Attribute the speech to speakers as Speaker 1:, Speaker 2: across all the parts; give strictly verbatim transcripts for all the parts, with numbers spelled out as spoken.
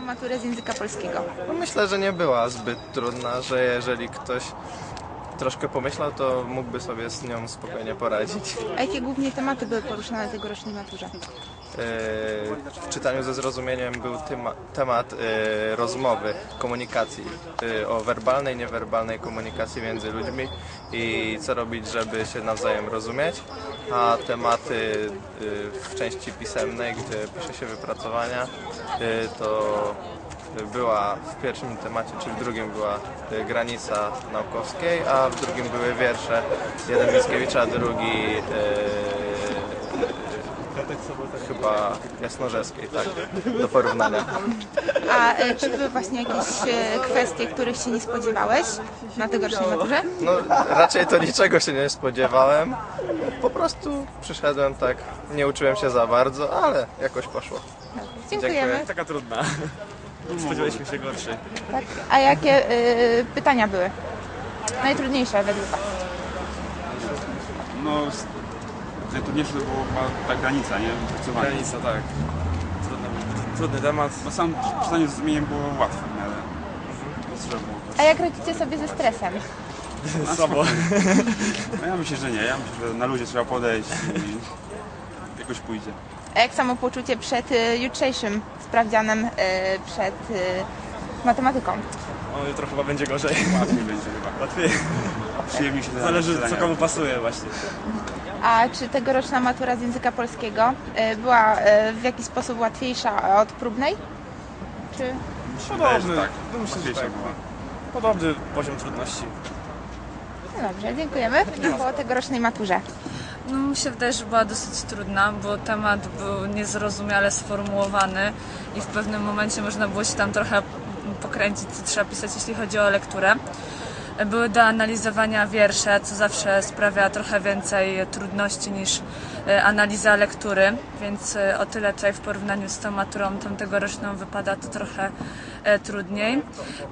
Speaker 1: maturę z języka polskiego?
Speaker 2: No myślę, że nie była zbyt trudna, że jeżeli ktoś troszkę pomyślał, to mógłby sobie z nią spokojnie poradzić.
Speaker 1: A jakie głównie tematy były poruszane na tegorocznej maturze?
Speaker 2: W czytaniu ze zrozumieniem był tema, temat e, rozmowy, komunikacji, e, o werbalnej, niewerbalnej komunikacji między ludźmi i co robić, żeby się nawzajem rozumieć, a tematy e, w części pisemnej, gdzie pisze się wypracowania, e, to była w pierwszym temacie, czyli w drugim była e, granica naukowskiej, a w drugim były wiersze, jeden Mickiewicza, a drugi e, chyba Jasnorzewskiej, tak, do porównania.
Speaker 1: A e, czy były właśnie jakieś e, kwestie, których się nie spodziewałeś na tegorocznej maturze?
Speaker 2: No raczej to niczego się nie spodziewałem, po prostu przyszedłem tak, nie uczyłem się za bardzo, ale jakoś poszło.
Speaker 1: Dziękujemy.
Speaker 2: Dziękuję.
Speaker 3: Taka trudna. Spodziewaliśmy się gorszej.
Speaker 1: Tak. A jakie e, pytania były najtrudniejsze według Was?
Speaker 4: No, najtrudniejsze to była ta granica, nie? Wypracowanie.
Speaker 3: Granica, tak. Trudny, trudny temat.
Speaker 4: Bo sam czytanie z zrozumieniem było łatwe, nie? Ale trzeba było
Speaker 1: A jak radzicie sobie ze stresem?
Speaker 3: Słabo.
Speaker 4: No ja myślę, że nie. Ja myślę, że na ludzie trzeba podejść i jakoś pójdzie.
Speaker 1: A jak samopoczucie przed e, jutrzejszym sprawdzianem e, przed e, matematyką?
Speaker 3: O, jutro chyba będzie gorzej.
Speaker 4: Łatwiej będzie chyba.
Speaker 3: Łatwiej.
Speaker 4: Przyjemniej się
Speaker 3: Zależy, co komu pasuje właśnie.
Speaker 1: A czy tegoroczna matura z języka polskiego e, była e, w jakiś sposób łatwiejsza od próbnej? Czy...
Speaker 3: Podobny.
Speaker 4: Tak,
Speaker 3: No myślę, że
Speaker 4: łatwiejsza
Speaker 3: tak.
Speaker 4: była.
Speaker 3: Podobny poziom trudności.
Speaker 1: No dobrze, dziękujemy. Po tegorocznej maturze.
Speaker 5: No, mi się wydaje, że była dosyć trudna, bo temat był niezrozumiale sformułowany i w pewnym momencie można było się tam trochę pokręcić, co trzeba pisać, jeśli chodzi o lekturę. Były do analizowania wiersze, co zawsze sprawia trochę więcej trudności niż analiza lektury, więc o tyle tutaj w porównaniu z tą maturą tą tegoroczną wypada to trochę trudniej.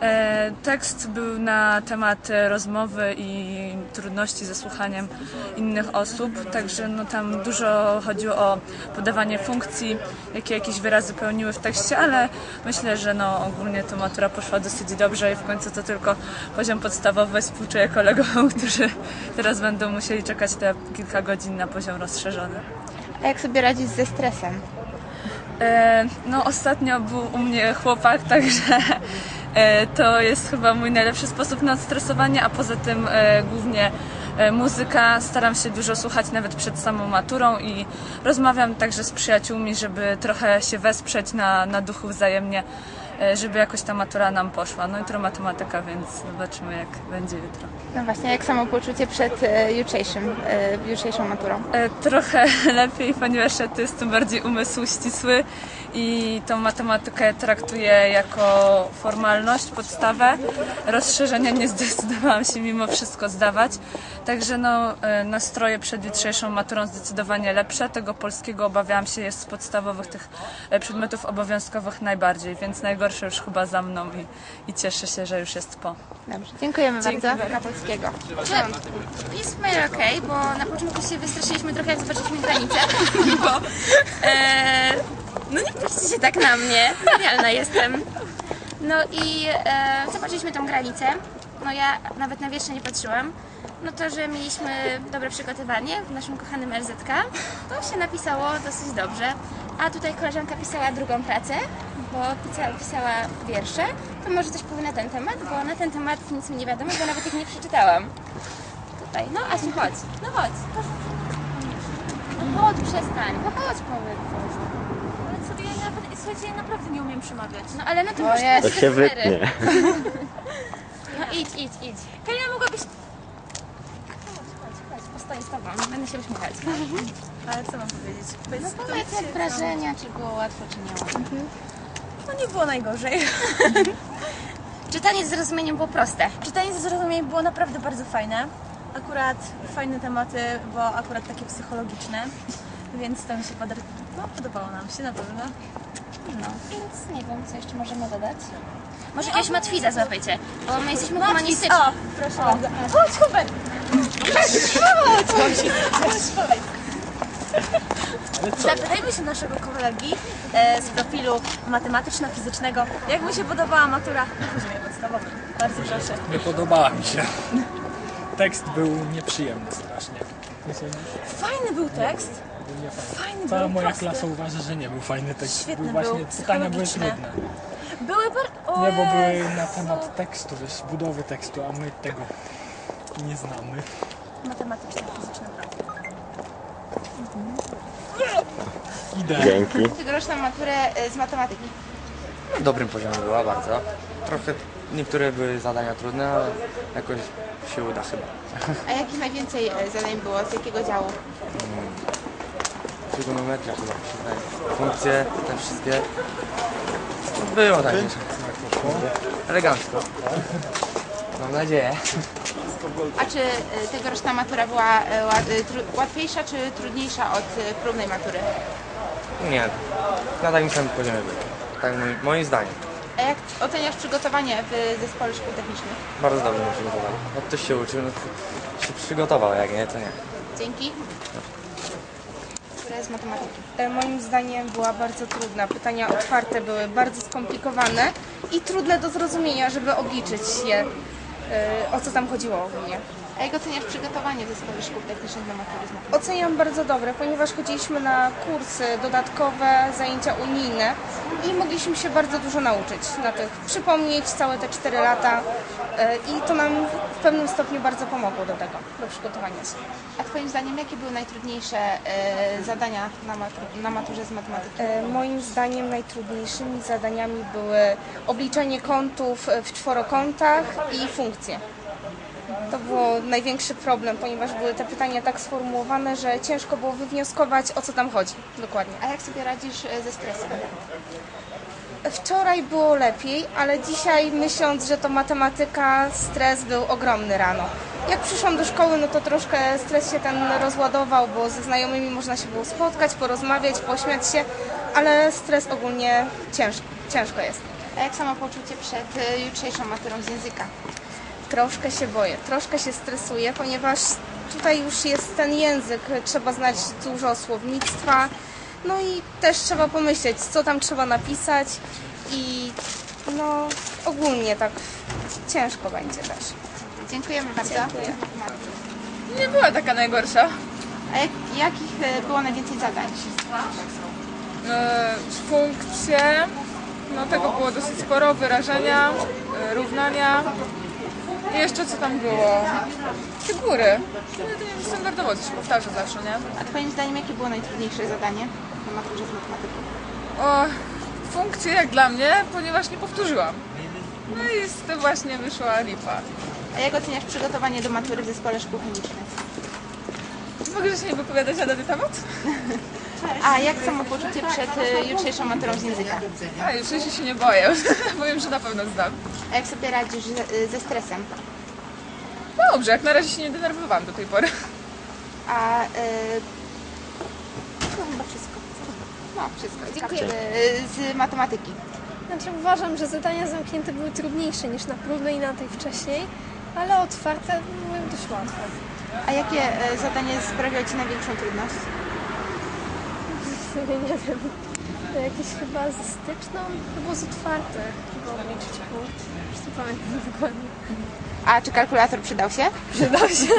Speaker 5: Tekst był na temat rozmowy i trudności ze słuchaniem innych osób, także no tam dużo chodziło o podawanie funkcji, jakie jakieś wyrazy pełniły w tekście, ale myślę, że no ogólnie ta matura poszła dosyć dobrze i w końcu to tylko poziom podstawowy. Współczuję kolegom, którzy teraz będą musieli czekać te kilka godzin na poziom rozszerzony.
Speaker 1: A jak sobie radzić ze stresem?
Speaker 5: E, no ostatnio był u mnie chłopak, także e, to jest chyba mój najlepszy sposób na odstresowanie, a poza tym e, głównie e, muzyka. Staram się dużo słuchać nawet przed samą maturą i rozmawiam także z przyjaciółmi, żeby trochę się wesprzeć na, na duchu wzajemnie, e, żeby jakoś ta matura nam poszła. No jutro matematyka, więc zobaczymy jak będzie jutro.
Speaker 1: No właśnie, jak samopoczucie przed e, jutrzejszym, e, jutrzejszą maturą?
Speaker 5: E, trochę lepiej, ponieważ ja to jestem bardziej umysł ścisły i tą matematykę traktuję jako formalność, podstawę. Rozszerzenia nie zdecydowałam się mimo wszystko zdawać. Także no, e, nastroje przed jutrzejszą maturą zdecydowanie lepsze. Tego polskiego obawiałam się jest z podstawowych tych e, przedmiotów obowiązkowych najbardziej, więc najgorsze już chyba za mną i, i cieszę się, że już jest po.
Speaker 1: Dobrze, dziękujemy
Speaker 5: Dzięki
Speaker 1: bardzo.
Speaker 5: bardzo.
Speaker 1: Na polskiego.
Speaker 6: Jest w miarę okej, bo na początku się wystraszyliśmy trochę, jak zobaczyliśmy granicę, bo e, no nie patrzcie się tak na mnie, realna jestem. No i e, zobaczyliśmy tą granicę, no ja nawet na wiersze nie patrzyłam. No to, że mieliśmy dobre przygotowanie w naszym kochanym L Z K, to się napisało dosyć dobrze. A tutaj koleżanka pisała drugą pracę, bo pisała, pisała wiersze. To może coś powie na ten temat, bo na ten temat nic mi nie wiadomo, bo nawet ich nie przeczytałam. Tutaj, no Asiu, chodź, no chodź. No chodź, przestań, no chodź, powiedz coś.
Speaker 7: Ale sobie ja naprawdę, słuchajcie, ja naprawdę nie umiem przemawiać.
Speaker 6: No ale no to
Speaker 1: O
Speaker 6: już
Speaker 1: jest.
Speaker 6: to się wytnie. No idź, idź, idź.
Speaker 7: Karina, mogłabyś...
Speaker 6: Postoję z tobą, będę się uśmiechać.
Speaker 7: Ale co mam powiedzieć?
Speaker 6: No powiedz jak wrażenia, czy było łatwo, czy nie łatwo.
Speaker 7: No nie było najgorzej.
Speaker 6: Czytanie z zrozumieniem było proste.
Speaker 7: Czytanie ze zrozumieniem było naprawdę bardzo fajne. Akurat fajne tematy, bo akurat takie psychologiczne. Więc to mi się poda... no, podobało nam się na pewno.
Speaker 6: No, więc nie wiem, co jeszcze możemy dodać. Może jakiegoś matwiza złapajcie, bo my jesteśmy humanistyczni.
Speaker 7: O, proszę bardzo. Chodź, Hubert! Chodź, chodź, chodź, chodź. Zapytajmy się naszego kolegi e, z profilu matematyczno-fizycznego, jak mu się podobała matura na poziomie podstawowym. Bardzo proszę.
Speaker 8: Nie podobała mi się. Tekst był nieprzyjemny strasznie. Nie sądzisz?
Speaker 7: Fajny był tekst.
Speaker 8: Był niefajny.
Speaker 7: Fajny
Speaker 8: Cała
Speaker 7: był,
Speaker 8: moja
Speaker 7: prosty.
Speaker 8: klasa uważa, że nie był fajny tekst.
Speaker 7: Świetny
Speaker 8: był właśnie,
Speaker 7: był,
Speaker 8: pytania były
Speaker 7: psychologiczny.
Speaker 8: trudne.
Speaker 7: Były bar...
Speaker 8: Nie, bo były
Speaker 7: Jezu.
Speaker 8: na temat tekstu, wiesz, budowy tekstu, a my tego nie znamy.
Speaker 7: Matematyczno-fizyczny profil.
Speaker 8: Idę.
Speaker 1: Tegoroczną maturę y, z matematyki.
Speaker 9: W dobrym poziomie była bardzo. Trochę niektóre były zadania trudne, ale jakoś się uda chyba.
Speaker 1: A jakich najwięcej y, zadań było? Z jakiego działu?
Speaker 9: Trigonometria chyba mi się wydaje. Funkcje, te wszystkie. No, było tak. Elegancko. Mam nadzieję.
Speaker 1: A czy y, tegoroczna matura była y, ła- y, tru- łatwiejsza czy trudniejsza od y, próbnej matury?
Speaker 9: Nie, na takim samym poziomie było. Tak moim, moim zdaniem.
Speaker 1: A jak oceniasz przygotowanie w zespole szkół technicznych?
Speaker 9: Bardzo dobrze mi przygotowali. Jak ktoś się uczył, no to się przygotował, jak nie, to nie.
Speaker 1: Dzięki. Która z matematyki?
Speaker 10: E, Moim zdaniem była bardzo trudna. Pytania otwarte były bardzo skomplikowane i trudne do zrozumienia, żeby obliczyć je, e, o co tam chodziło ogólnie.
Speaker 1: A jak oceniasz przygotowanie w zespole szkół technicznych na matury z matematyki?
Speaker 10: Oceniam bardzo dobre, ponieważ chodziliśmy na kursy dodatkowe, zajęcia unijne i mogliśmy się bardzo dużo nauczyć na tych, przypomnieć całe te cztery lata e, i to nam w pewnym stopniu bardzo pomogło do tego, do przygotowania się.
Speaker 1: A Twoim zdaniem jakie były najtrudniejsze e, zadania na, matur- na maturze z matematyki?
Speaker 10: E, Moim zdaniem najtrudniejszymi zadaniami były obliczenie kątów w czworokątach i funkcje. To był największy problem, ponieważ były te pytania tak sformułowane, że ciężko było wywnioskować, o co tam chodzi dokładnie.
Speaker 1: A jak sobie radzisz e, ze stresem?
Speaker 10: Wczoraj było lepiej, ale dzisiaj myśląc, że to matematyka, stres był ogromny rano. Jak przyszłam do szkoły, no to troszkę stres się ten rozładował, bo ze znajomymi można się było spotkać, porozmawiać, pośmiać się, ale stres ogólnie ciężko, ciężko jest.
Speaker 1: A jak samopoczucie przed e, jutrzejszą maturą z języka?
Speaker 10: Troszkę się boję, troszkę się stresuję, ponieważ tutaj już jest ten język, trzeba znać dużo słownictwa, no i też trzeba pomyśleć, co tam trzeba napisać i no ogólnie tak ciężko będzie też.
Speaker 1: Dziękujemy bardzo.
Speaker 10: Dziękuję.
Speaker 5: Nie była taka najgorsza.
Speaker 1: A jak, jakich e, było najwięcej zadań?
Speaker 5: E, funkcje, no tego było dosyć sporo, wyrażenia, e, równania. I jeszcze co tam było? Figury. No to nie wiem, standardowo to się powtarza zawsze, nie?
Speaker 1: A Twoim zdaniem jakie było najtrudniejsze zadanie na maturze z matematyki?
Speaker 5: O, funkcje jak dla mnie, ponieważ nie powtórzyłam. No i z tym właśnie wyszła lipa.
Speaker 1: A jak oceniasz przygotowanie do matury w zespole szkół chemicznych?
Speaker 5: Mogę się nie wypowiadać na dany temat?
Speaker 1: A jak samopoczucie przed e, jutrzejszą maturą z języka?
Speaker 5: A już się nie boję, bo wiem, że na pewno zdam.
Speaker 1: A jak sobie radzisz ze, ze stresem?
Speaker 5: Dobrze, jak na razie się nie denerwowałam do tej pory.
Speaker 1: A e, no chyba wszystko. No wszystko. Dziękuję. E, z matematyki.
Speaker 11: Znaczy uważam, że zadania zamknięte były trudniejsze niż na próbnej i na tej wcześniej, ale otwarte były dość łatwe.
Speaker 1: A jakie e, zadanie sprawiało Ci największą trudność?
Speaker 11: Nie wiem, to jakieś chyba ze styczną, to było z otwartych, chyba obliczyć punkt, już nie pamiętam dokładnie.
Speaker 1: A czy kalkulator przydał się?
Speaker 11: Przydał się.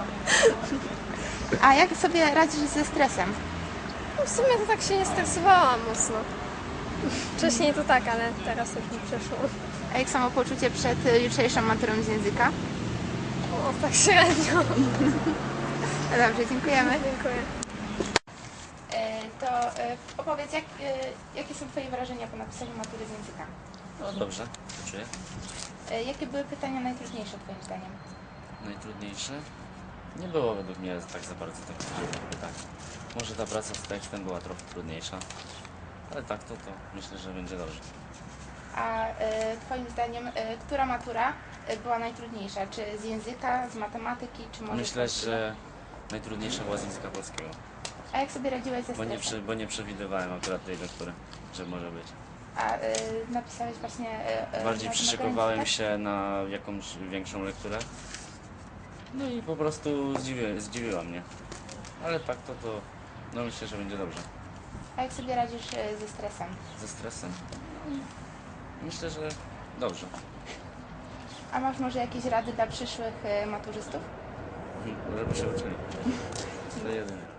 Speaker 1: A jak sobie radzisz ze stresem?
Speaker 11: No w sumie to tak się nie stresowałam mocno. Wcześniej to tak, ale teraz już mi przeszło.
Speaker 1: A jak samopoczucie przed e, jutrzejszą maturą z języka?
Speaker 11: O, tak średnio.
Speaker 1: No dobrze, dziękujemy.
Speaker 11: Dziękuję.
Speaker 1: E, to e, opowiedz, jak, e, jakie są Twoje wrażenia po napisaniu matury z języka?
Speaker 12: No dobrze, czuję.
Speaker 1: E, jakie były pytania najtrudniejsze Twoim zdaniem?
Speaker 12: Najtrudniejsze? Nie było według mnie tak za bardzo takich pytań. Może ta praca z tekstem była trochę trudniejsza, ale tak to, to myślę, że będzie dobrze.
Speaker 1: A e, Twoim zdaniem, e, która matura e, była najtrudniejsza? Czy z języka, z matematyki, czy może z
Speaker 12: Myślę,
Speaker 1: polskiego?
Speaker 12: że najtrudniejsza była z języka polskiego,
Speaker 1: A jak sobie radziłeś ze
Speaker 12: bo nie,
Speaker 1: stresem?
Speaker 12: przy, bo nie przewidywałem akurat tej lektury, że może być.
Speaker 1: A e, napisałeś właśnie... E, e,
Speaker 12: Bardziej
Speaker 1: na
Speaker 12: przyszykowałem
Speaker 1: tak?
Speaker 12: się na jakąś większą lekturę. No i po prostu zdziwi, zdziwiła mnie. Ale tak to to No myślę, że będzie dobrze.
Speaker 1: A jak sobie radzisz e, ze stresem?
Speaker 12: Ze stresem? Myślę, że dobrze.
Speaker 1: A masz może jakieś rady dla przyszłych e, maturzystów?
Speaker 12: Żeby się uczyli. To jedyne.